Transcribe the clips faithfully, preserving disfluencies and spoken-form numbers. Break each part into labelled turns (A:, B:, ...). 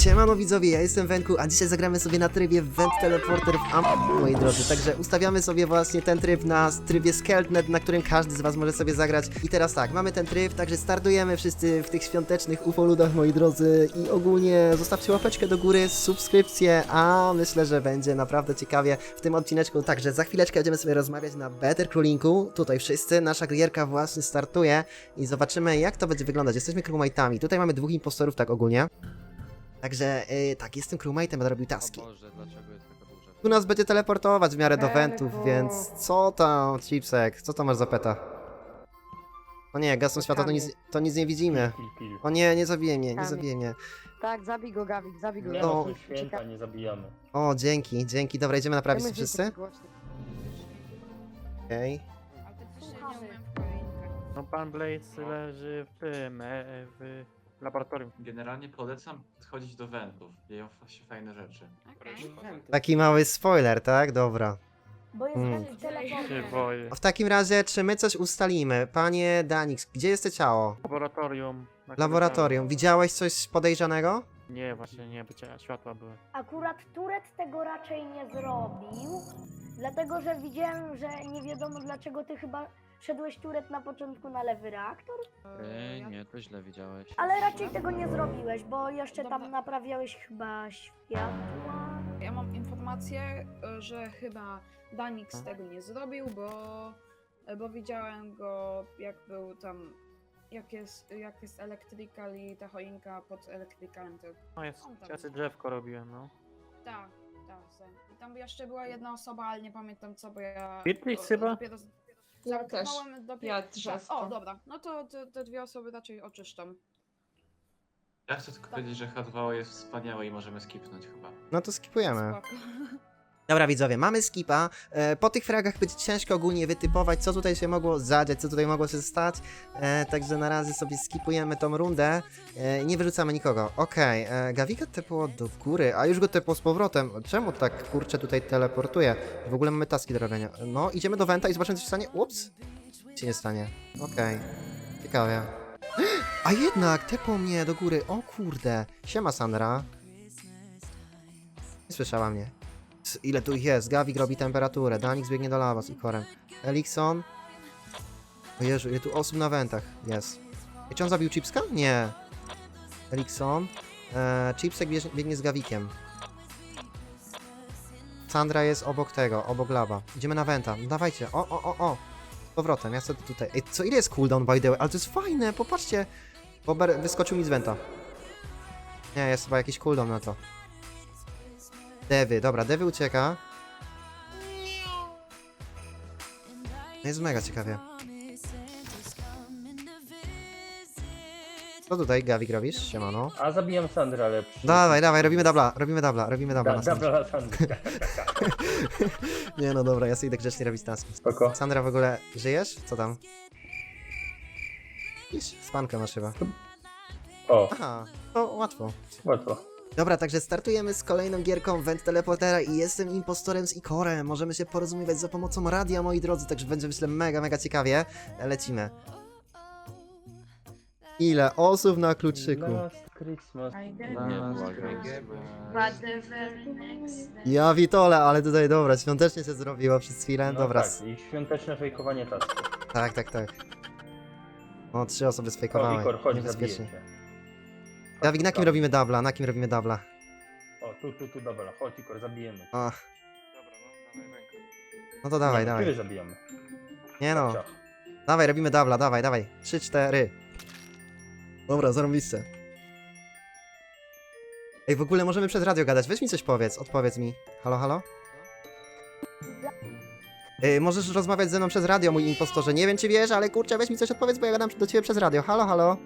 A: Siemano widzowie, ja jestem Wenku, a dzisiaj zagramy sobie na trybie Vent Teleporter w Am... moi drodzy. Także ustawiamy sobie właśnie ten tryb na trybie Skeltnet, na którym każdy z was może sobie zagrać. I teraz tak, mamy ten tryb, także startujemy wszyscy w tych świątecznych ufoludach, moi drodzy. I ogólnie zostawcie łapeczkę do góry, subskrypcję, a myślę, że będzie naprawdę ciekawie w tym odcineczku. Także za chwileczkę będziemy sobie rozmawiać na Better Crawlinku. Tutaj wszyscy, nasza gierka właśnie startuje i zobaczymy, jak to będzie wyglądać. Jesteśmy crewmate'ami. Tutaj mamy dwóch impostorów, tak ogólnie. Także yy, tak, jestem crewmate'em, będę robił taski.
B: O Boże, dlaczego jest taka duża?
A: Tu nas będzie teleportować w miarę do
C: Eee,
A: wentów,
C: bo-
A: więc co tam, Chipsek, co tam masz za peta? O nie, gasą światła to nic, to nic nie widzimy.
D: Pil, pil.
A: O nie, nie zabije mnie, nie
C: Kamień.
A: zabije mnie.
C: Tak, zabij go, Gawik, zabij go.
D: Nie
A: No.
D: no, są święta, nie zabijamy.
A: O, dzięki, dzięki, dobra, idziemy naprawić
C: Ja
A: się
C: myślę,
A: wszyscy?
C: że głośno.
A: Okej.
E: No pan Blaze leży w tym, e, w laboratorium.
B: Generalnie polecam chodzić do wentów, dzieją się fajne rzeczy.
A: Taki mały spoiler, tak? Dobra.
F: Bo jest
A: Mm.
F: ten teleport.
E: Się boję.
A: W takim razie, czy my coś ustalimy? Panie Danix, gdzie jest to ciało?
E: Laboratorium. na
A: Laboratorium. Widziałeś coś podejrzanego?
E: korytarzu. Nie, właśnie nie, bo cia- światła były.
F: Akurat Turet tego raczej nie zrobił, dlatego że widziałem, że nie wiadomo dlaczego ty chyba szedłeś Turet na początku na lewy reaktor,
B: Eee, nie, to źle widziałeś.
F: ale raczej tego nie zrobiłeś, bo jeszcze tam
G: Dobra.
F: naprawiałeś chyba światła.
G: Ja mam informację, y, że chyba Danix tego nie zrobił, bo, bo widziałem go jak był tam, jak jest, jak jest Electrical i ta choinka pod Electricalem. To...
E: No jest,
G: On tam
E: ja sobie
G: jest.
E: drzewko robiłem, no.
G: Tak, tak. tak. I tam jeszcze była jedna osoba, ale nie pamiętam co, bo ja...
E: Beatrix
G: o-
E: chyba?
G: Dopiero,
H: Ja też.
G: zamknąłem dopiero,
H: Ja
G: tak.
H: drzewko.
G: O, dobra, no to te, te dwie osoby raczej oczyszczą.
B: Ja chcę tylko powiedzieć, że H dwa O jest wspaniałe i możemy skipnąć chyba.
A: No to skipujemy.
G: Spoko.
A: Dobra widzowie, mamy skipa. E, po tych fragach będzie ciężko ogólnie wytypować, co tutaj się mogło zadziać, co tutaj mogło się stać. E, także na razie sobie skipujemy tą rundę. E, nie wyrzucamy nikogo. Okej, okay. Gawika tepło do góry, a już go tepło z powrotem. Czemu tak kurczę tutaj teleportuje? W ogóle mamy taski do robienia. No, idziemy do Wenta i zobaczymy, co się stanie. Ups! Nic się nie stanie. Okej. Okay. Ciekawie. A jednak, tepło mnie do góry. O kurde. Siema Sandra. Nie słyszała mnie. C- Ile tu ich jest? Gawik robi temperaturę, Danix biegnie do lawa z Ikorem. Elikson. O Jezu, ile tu osób na wentach jest. I czy on zabił Chipska? Nie. Elikson. Eee, Chipsek biegnie, biegnie z Gawikiem. Sandra jest obok tego, obok lawa. Idziemy na wenta. No dawajcie. O, o, o, o. Z powrotem, ja sobie tutaj. Ej, co ile jest cooldown by the way? Ale to jest fajne, popatrzcie. Bober wyskoczył mi z wenta. Nie, jest chyba jakiś cooldown na to. Dewy, dobra, Dewy ucieka. No jest mega ciekawie. Co tutaj, Gawik, robisz? Siemano.
D: A zabijam Sandra, ale... przy-
A: Dawaj, dawaj, robimy dubla, robimy dubla, robimy dubla
D: Da,
A: na Sandrze.
D: dobra, Sandra.
A: Nie no dobra, ja sobie idę grzecznie robić taski.
D: Spoko.
A: Sandra, w ogóle żyjesz? Co tam? Iż, spankę masz chyba.
D: O,
A: Aha, to łatwo.
D: łatwo.
A: Dobra, także startujemy z kolejną gierką Vent Teleportera i jestem impostorem z Ikorem. Możemy się porozumiewać za pomocą radia, moi drodzy, także będzie myślę mega, mega ciekawie. Lecimy. Ile osób na kluczyku.
D: Last Christmas.
B: Nie, błagam.
A: Ja witole, ale tutaj dobra, świątecznie się zrobiło przez chwilę.
D: No
A: Dobra,
D: tak, i świąteczne fejkowanie tasku.
A: tak, tak, tak. O, trzy osoby
D: O,
A: sfejkowały.
D: Ikor, chodź, zabiję
A: Niebezpiecznie.
D: cię.
A: Dawid, na kim robimy dubla? Na kim robimy dubla?
D: O, tu, tu, tu, dobra, chodź Ikor, zabijemy cię.
A: Ach,
B: Dobra, no, dawaj rękę.
A: no to dawaj,
D: Nie,
A: dawaj.
D: Ciebie zabijamy.
A: Nie no,
D: Ciach.
A: dawaj, robimy dubla, dawaj, dawaj. Trzy, cztery. Dobra, zarąbiste. Ej, w ogóle możemy przez radio gadać. Weź mi coś powiedz, odpowiedz mi. Halo, halo? Ej, możesz rozmawiać ze mną przez radio, mój impostorze. Nie wiem, czy wiesz, ale kurczę, weź mi coś odpowiedz, bo ja gadam do ciebie przez radio. Halo, halo?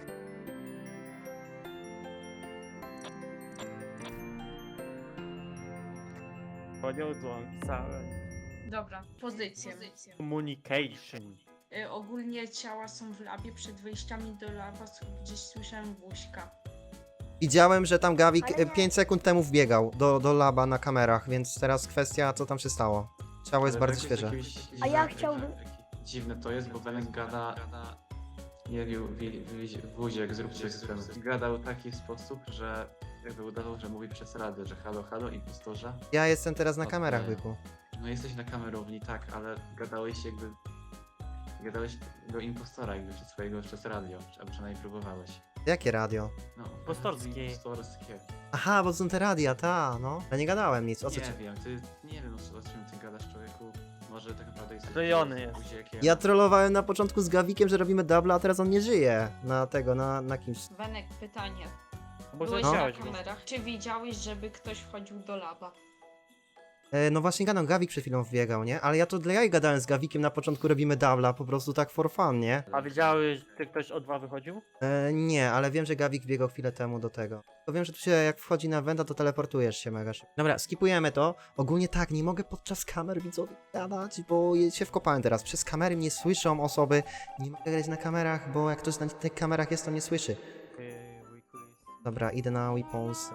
E: Poniosłam całe.
H: Dobra, pozycję.
E: Communication.
H: Y, ogólnie ciała są w labie, przed wejściami do laba s- gdzieś słyszałem wóźka.
A: Widziałem, że tam Gawik
F: Ale nie-
A: pięć sekund temu wbiegał do, do laba na kamerach, więc teraz kwestia, co tam się stało. Ciało jest
B: Ale
A: bardzo
B: tak
A: świeże.
B: jakieś
F: A ja
B: dziwne-
F: chciałbym-
B: jakie- Dziwne to jest, bo Benek gada... Nie wiem, wuziek, zrób coś z tym. Gadał w taki sposób, że jakby udawał, że mówi przez radę, że halo, halo, impostorze.
A: Ja jestem teraz na
B: Okej.
A: kamerach, byku.
B: No jesteś na kamerowni, tak, ale gadałeś jakby... Gadałeś do impostora jakby przez swojego przez radio, albo przynajmniej próbowałeś.
A: Jakie radio?
B: No,
E: Impostorskie.
B: Impostorskie.
A: Aha, bo to są te radia, ta, no. Ja nie gadałem nic, o co
B: Nie
A: ci...
B: wiem, ty, nie wiem o czym ty gadasz, człowieku. Może tak naprawdę jesteś...
E: Klejony jest.
B: buziakiem.
A: Ja trollowałem na początku z Gawikiem, że robimy double, a teraz on nie żyje. Na tego, na, na kimś.
H: Wenek, pytanie.
E: Bo
H: Byłeś
E: zleciałeś
H: na
E: go.
H: kamerach. Czy widziałeś, żeby ktoś wchodził do laba?
A: E, no właśnie gadam, Gawik przed chwilą wbiegał, nie? Ale ja to dla jaj gadałem z Gawikiem, na początku robimy double'a, po prostu tak for fun, nie?
E: A widziałeś, czy ktoś o dwa wychodził?
A: E, nie, ale wiem, że Gawik biegał chwilę temu do tego. To wiem, że tu się jak wchodzi na wenta, to teleportujesz się mega szybko. Dobra, skipujemy to. Ogólnie tak, nie mogę podczas kamer widzowie gadać, bo je- się wkopałem teraz. Przez kamery mnie słyszą osoby. Nie mogę grać na kamerach, bo jak ktoś na tych kamerach jest, to nie słyszy. Dobra, idę na weapons.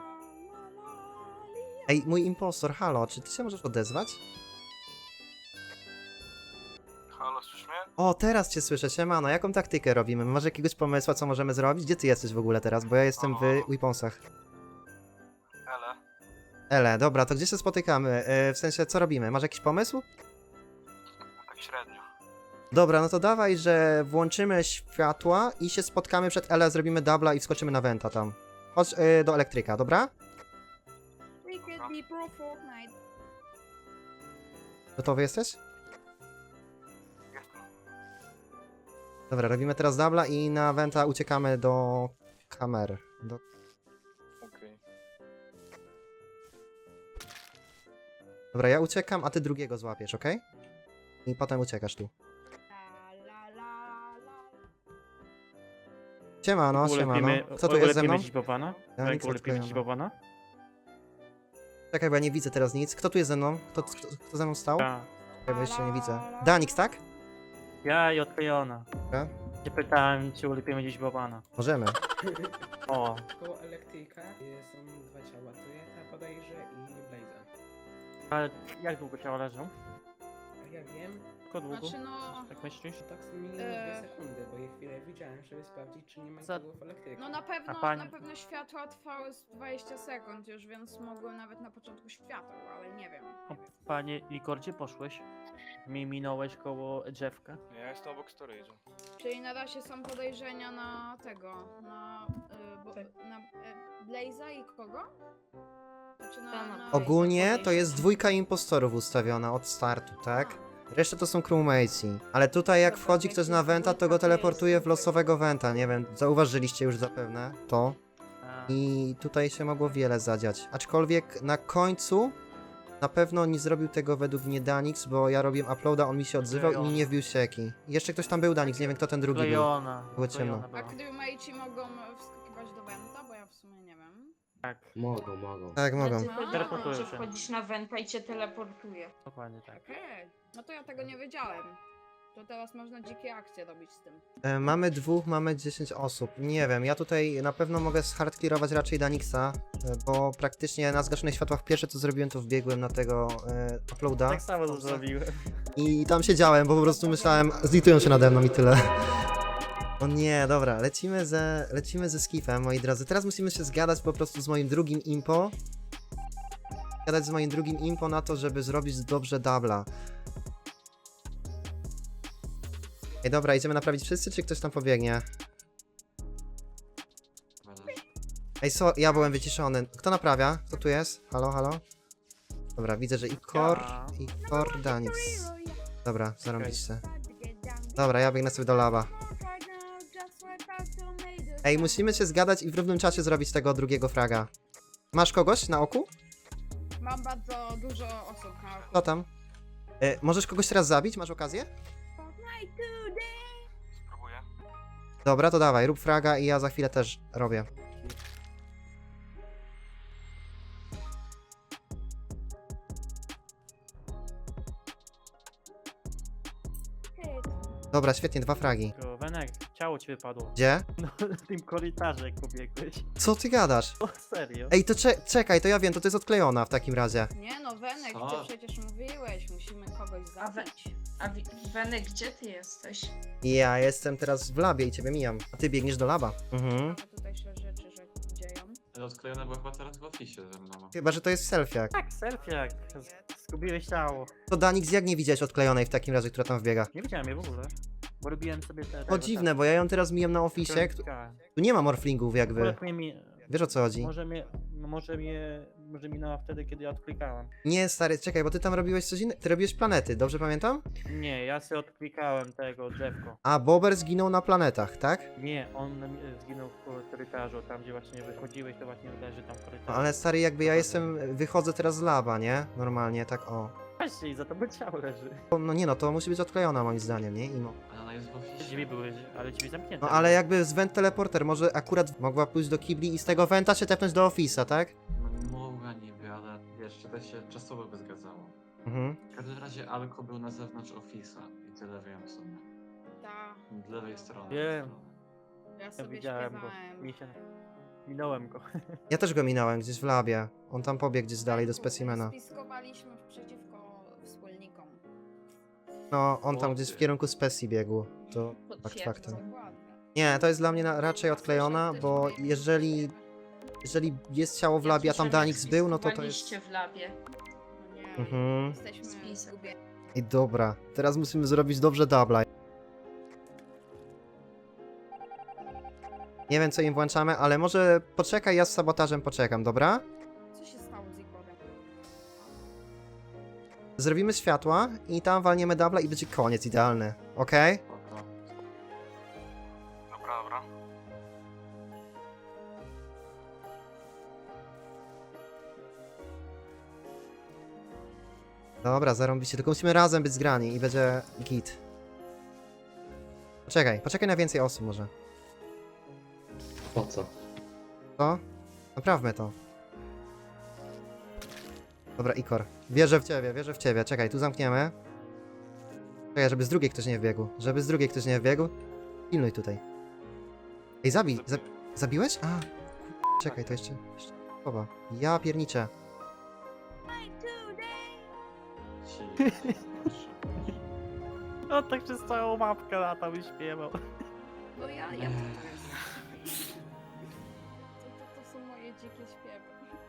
A: Ej, mój impostor, halo, czy ty się możesz odezwać?
I: Halo, słyszysz mnie?
A: O, teraz cię słyszę, siemano, jaką taktykę robimy? Masz jakiegoś pomysłu, co możemy zrobić? Gdzie ty jesteś w ogóle teraz? Bo ja jestem w weaponsach.
I: Ele.
A: Ele, dobra, to gdzie się spotykamy? E, w sensie, co robimy? Masz jakiś pomysł?
I: Tak średnio.
A: Dobra, no to dawaj, że włączymy światła i się spotkamy przed Ele, zrobimy dubla i wskoczymy na Venta tam. Chodź e, do elektryka, dobra?
G: Wicked be pro Fortnite.
A: Gotowy jesteś?
I: Jestem.
A: Dobra, robimy teraz dubla i na Venta uciekamy do kamer. Do...
I: Okej.
A: Dobra, ja uciekam, a ty drugiego złapiesz, okej? I potem uciekasz tu.
F: La, la, la, la.
A: Siemano, siemano.
E: Ulepimy,
A: Kto tu jest ze mną?
E: ulepimy dziś Bobana?
A: Ja
E: Tak,
A: nic
E: ulepimy dziś
A: odklejona.
E: Bobana?
A: Czekaj, bo ja nie widzę teraz nic. Kto tu jest ze mną? Kto, kto, kto ze mną stał?
E: Ja.
A: Czekaj, bo jeszcze nie widzę. Danix, tak?
E: Ja i odklejona.
A: Dobra.
E: Cię pytałem, czy ulepimy dziś Bobana.
A: Możemy.
E: O,
J: Koło elektryka y, są dwa ciała, Tureta bodajże i Blaze'a.
E: ale jak długo ciała leżą?
J: A ja wiem,
E: Tylko długo?
G: Znaczy no...
E: Tak myślisz?
J: że tak z minimum
G: Eee.
J: dwie sekundy, bo je chwilę widziałem, żeby sprawdzić, czy nie ma
E: Za-
J: nikogo w elektryku.
G: No na pewno,
E: A pani-
G: na pewno światła trwały z dwadzieścia sekund już, więc mogły nawet na początku światła, ale nie wiem.
E: O, panie Ligor, gdzie poszłeś? Mi minąłeś koło drzewka.
I: Nie, ja jestem obok storage'a.
G: Czyli na razie są podejrzenia na tego, na, y, bo, na y, Blaze'a i kogo? Znaczy na,
H: Tam.
G: na
A: Ogólnie to jest dwójka impostorów ustawiona od startu, tak? Reszta to są crewmatesi. Ale tutaj jak
G: Dobra,
A: wchodzi
G: jak
A: ktoś
G: jest
A: na Venta, to
G: dwójka,
A: go
G: to
A: teleportuje
G: jest
A: w losowego Venta. Nie wiem, zauważyliście już zapewne to.
E: A,
A: I tutaj się mogło wiele zadziać. Aczkolwiek na końcu na pewno nie zrobił tego według mnie Danix, bo ja robiłem uploada, on mi się odzywał i mi nie wbił sieki. I jeszcze ktoś tam był Danix, nie wiem kto ten drugi był.
E: Klejona.
A: Było ciemno.
E: klejona
G: A
E: była.
G: crewmate'i mogą wskakiwać do Venta, bo ja w sumie nie wiem.
E: Tak,
J: Mogą, mogą.
A: Tak, mogą.
H: Znaczy,
E: Teleportują
H: że
E: się.
H: wchodzisz na wenta i cię teleportuje.
E: dokładnie tak.
G: Okej, no to ja tego nie wiedziałem. To teraz można dzikie akcje robić z tym.
A: E, mamy dwóch, mamy dziesięć osób. Nie wiem, ja tutaj na pewno mogę zhardclearować raczej Danixa, e, bo praktycznie na zgaszonych światłach pierwsze co zrobiłem to wbiegłem na tego e, uploada.
E: Tak samo to zrobiłem.
A: I tam siedziałem, bo po prostu myślałem, zlitują się nade mną i tyle. O nie, dobra, lecimy ze, lecimy ze skifem, moi drodzy. Teraz musimy się zgadać po prostu z moim drugim impo. Gadać z moim drugim impo na to, żeby zrobić dobrze dubla. Ej, dobra, idziemy naprawić wszyscy, czy ktoś tam pobiegnie? Ej, so, ja byłem wyciszony. Kto naprawia? Kto tu jest? Halo, halo? Dobra, widzę, że Ikor,
E: Ja.
A: Ikor, Danix. Dobra, zarąbiście. Dobra, ja biegnę sobie do laba. Ej, musimy się zgadać i w równym czasie zrobić tego drugiego fraga. Masz kogoś na oku?
G: Mam bardzo dużo osób na oku.
A: Kto tam? E, możesz kogoś teraz zabić? Masz okazję?
I: Spróbuję.
A: Dobra, to dawaj, rób fraga i ja za chwilę też robię. Dobra, świetnie, dwa fragi.
E: Tylko, Wenek, ciało ci wypadło.
A: Gdzie?
E: No, w tym korytarzu jak pobiegłeś.
A: Co ty gadasz?
E: O, serio?
A: Ej, to cze czekaj, to ja wiem, to to jest odklejona w takim razie.
G: Nie no, Wenek,
B: Co?
G: ty przecież mówiłeś, musimy kogoś
H: A we-
G: zabić.
H: A Wi- Wenek, gdzie ty jesteś?
A: Ja jestem teraz w labie i ciebie mijam. A ty biegniesz do laba. Mhm.
G: Ciekawe tutaj się rzeczy że dzieją.
B: Ale odklejona była chyba teraz w oficie ze mną.
A: Chyba, że to jest selfiak.
E: Tak, selfie, zgubiłeś ciało.
A: To Danix, jak nie widziałeś odklejonej w takim razie, która tam wbiega?
E: Nie widziałem jej w ogóle, bo robiłem sobie te...
A: O dziwne, bo ja ją teraz mijam na oficie. Tu tu nie ma morflingów jakby.
E: Akurat mnie mi...
A: Wiesz o co chodzi?
E: Może mnie, no może mnie, może minęła wtedy, kiedy ja odklikałem.
A: Nie, stary, czekaj, bo ty tam robiłeś coś innego. Ty robiłeś planety, dobrze pamiętam?
E: Nie, ja sobie odklikałem tego drzewko.
A: A Bober zginął na planetach, tak?
E: Nie, on e, zginął w korytarzu, tam gdzie właśnie wychodziłeś, to właśnie leży tam w korytarzu.
A: No, ale stary, jakby ja jestem, wychodzę teraz z laba, nie? Normalnie, tak o.
E: Właśnie, za to by ciało leży.
A: No nie no, to musi być odklejona moim zdaniem, nie? Imo.
B: Ale ona jest w oficie.
E: Drzwi były, ale drzwi zamknięte.
A: No ale jakby z vent teleporter, może akurat mogła pójść do kibli i z tego venta się tepnąć do ofisa, tak?
B: No mogła niby, ale wiesz, to się czasowo by zgadzało.
A: Mhm.
B: W każdym razie Alko był na zewnątrz ofisa i tyle wiem w sumie.
G: Ta,
B: Od lewej strony.
E: Wiem.
G: ja
E: Ja
G: sobie
E: widziałem go,
G: śpiewałem.
E: mi się... Minąłem go.
A: Ja też go minąłem gdzieś w labie. On tam pobiegł gdzieś dalej do specimena.
G: Spiskowaliśmy przeciwko wspólnikom.
A: No, on tam gdzieś w kierunku specji biegł. To fakt faktem.
G: Dokładnie.
A: Nie, to jest dla mnie na, raczej odklejona, bo jeżeli, jeżeli jest ciało w labie, a tam Danix był, no to to jest...
H: w labie.
G: No nie,
A: Mhm.
G: jesteśmy
H: Spisek.
G: zgubieni.
A: I dobra, teraz musimy zrobić dobrze dubla. Nie wiem co im włączamy, ale może poczekaj, ja z sabotażem poczekam, dobra?
G: Co się stało z Igorem?
A: Zrobimy światła i tam walniemy dubla i będzie koniec idealny, okej?
B: Spoko.
I: Dobra, dobra.
A: Dobra, zarąbicie, tylko musimy razem być zgrani i będzie git. Poczekaj, poczekaj na więcej osób może.
B: Po co?
A: Co? Naprawmy to. Dobra, Ikor. Wierzę w ciebie, wierzę w ciebie. Czekaj, tu zamkniemy. Czekaj, żeby z drugiej ktoś nie wbiegł. Żeby z drugiej ktoś nie wbiegł. Pilnuj tutaj. Ej, zabij. Za zabiłeś? A. Czekaj, to jeszcze... jeszcze słowa. Ja pierniczę.
B: Ci.
E: No tak przez całą mapkę latał i śpiewał.
G: No ja, ja to, to jest. To, to, to są moje dzikie śpiewy.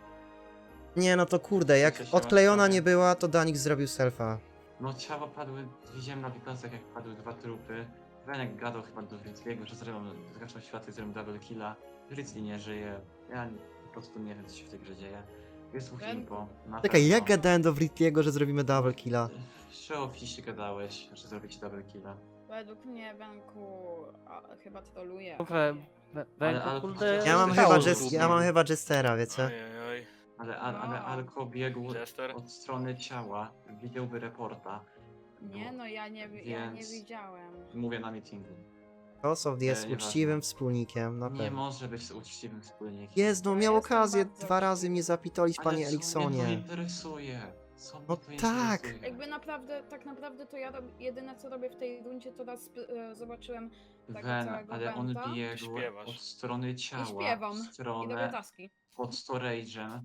A: Nie, no to kurde, jak odklejona nie była, to Danix zrobił selfa.
B: No ciała padły, widziałem na wykresach jak padły dwa trupy. Wenek gadał chyba do Rizliego, że zrobią, zgaszą światło i zrobią double killa. Rizli nie żyje, ja po prostu nie wiem co się w tej grze dzieje. Jest dwóch
G: Wenku.
B: impo, na
A: Czekaj,
B: pewno.
A: jak gadałem do Writliego, że zrobimy double killa?
B: Przy oficie gadałeś, że zrobicie double killa.
G: Według mnie Wenku a, chyba troluje.
E: We, we,
B: Ale- ale-
E: kurde...
A: Ja mam,
B: Stało
A: chyba,
B: się
A: jest,
B: zgubił.
A: ja mam chyba Jestera, wiecie?
I: Ojej,
B: Ale, ale, ale
G: No.
B: Alko biegł
I: Jester?
B: od strony ciała, widziałby reporta.
G: Nie no, ja nie, wi- ja nie
B: Więc-
G: widziałem.
B: Mówię na meetingu.
A: Kosow jest
B: Nie, nieważne.
A: uczciwym wspólnikiem, na
B: Nie
A: pewno.
B: może być uczciwym wspólnikiem.
A: Jest, no
G: Ja
A: miał
G: jestem
A: okazję
G: bardzo
A: dwa razy
G: uczciwy.
A: mnie zapitolić,
B: Ale
A: panie
B: co mnie to
A: Eliksonie.
B: interesuje? Co mnie
A: No
B: to
A: tak.
B: interesuje?
G: Jakby naprawdę, tak naprawdę to ja rob, jedyne co robię w tej rundzie to raz e, zobaczyłem tego
B: Wen,
G: całego
B: ale on
G: Wenta
B: biegł
I: Śpiewasz.
B: od strony ciała,
G: śpiewam.
B: w
G: i robię
B: stronę
G: taski.
B: pod storage'em,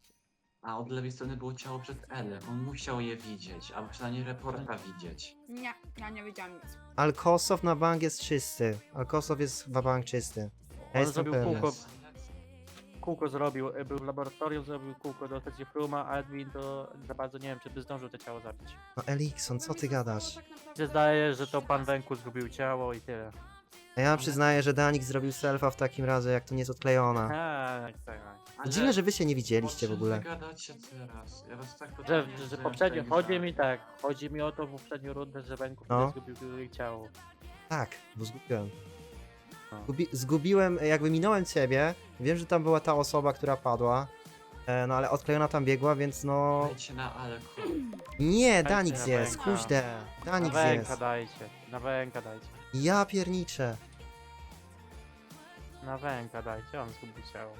B: a od lewej strony było ciało przed L. On musiał je widzieć, albo przynajmniej reporta widzieć.
G: Nie, ja nie wiedziałem nic.
A: Alkosow na bank jest czysty. Alkosow jest w bank czysty. Ja
E: On
A: jestem
E: zrobił
A: pewny.
E: kółko,
B: Jest.
E: kółko zrobił, e, był w laboratorium, zrobił kółko do stacji Fruma, a Edwin to za bardzo nie wiem, czy by zdążył to ciało zabić.
A: No Elikson, co ty gadasz?
G: Tak naprawdę
E: Się zdaje, że to
G: trzy
E: pan
G: taski.
E: Wenku zgubił ciało i tyle.
A: A ja przyznaję, że Danix zrobił selfa w takim razie, jak to nie jest odklejona.
E: Tak, tak.
B: Ale
A: Dziwne, że wy się nie widzieliście
B: o
A: w
B: czym
A: ogóle.
B: wy gadacie teraz? Ja was tak
E: Że,
B: totalnie
E: że, że
B: w
E: poprzednio,
B: tej
E: chodzi
B: grze.
E: mi tak, chodzi mi o to w poprzednią rundę, że Wenku
A: No.
E: zgubił jej ciało.
A: Tak, bo zgubiłem.
E: No.
A: Zgubi zgubiłem, jakby minąłem ciebie. Wiem, że tam była ta osoba, która padła. E, no ale odklejona tam biegła, więc no...
B: Dajcie na Alko.
A: Nie,
E: Dajcie
A: Danix
E: na
A: jest,
E: Wenka.
A: kuźde.
E: Na
A: Danix
E: Wenka
A: jest.
E: dajcie, na Wenka dajcie.
A: Ja pierniczę.
E: Na Wenka dajcie, on zgubił ciało.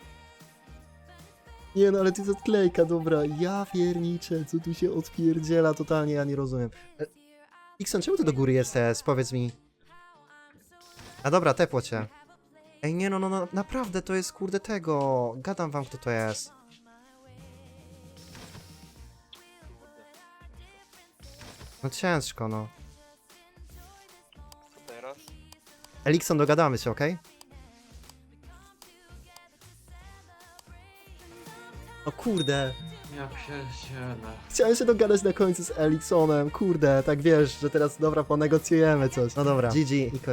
A: Nie no, ale to jest odklejka, dobra. Ja pierniczę, co tu się odpierdziela, totalnie ja nie rozumiem. E, Ikson, czemu ty do góry jesteś? Powiedz mi. A dobra, tepło cię. Ej, nie no, no, no, naprawdę to jest kurde tego. Gadam wam, kto to jest. No ciężko, no.
I: Co teraz?
A: Elikson, dogadamy się, okej? O kurde.
B: Ja pierdzielę.
A: Chciałem się dogadać na końcu z Eliksonem, kurde, tak wiesz, że teraz dobra, ponegocjujemy coś. No dobra, G G i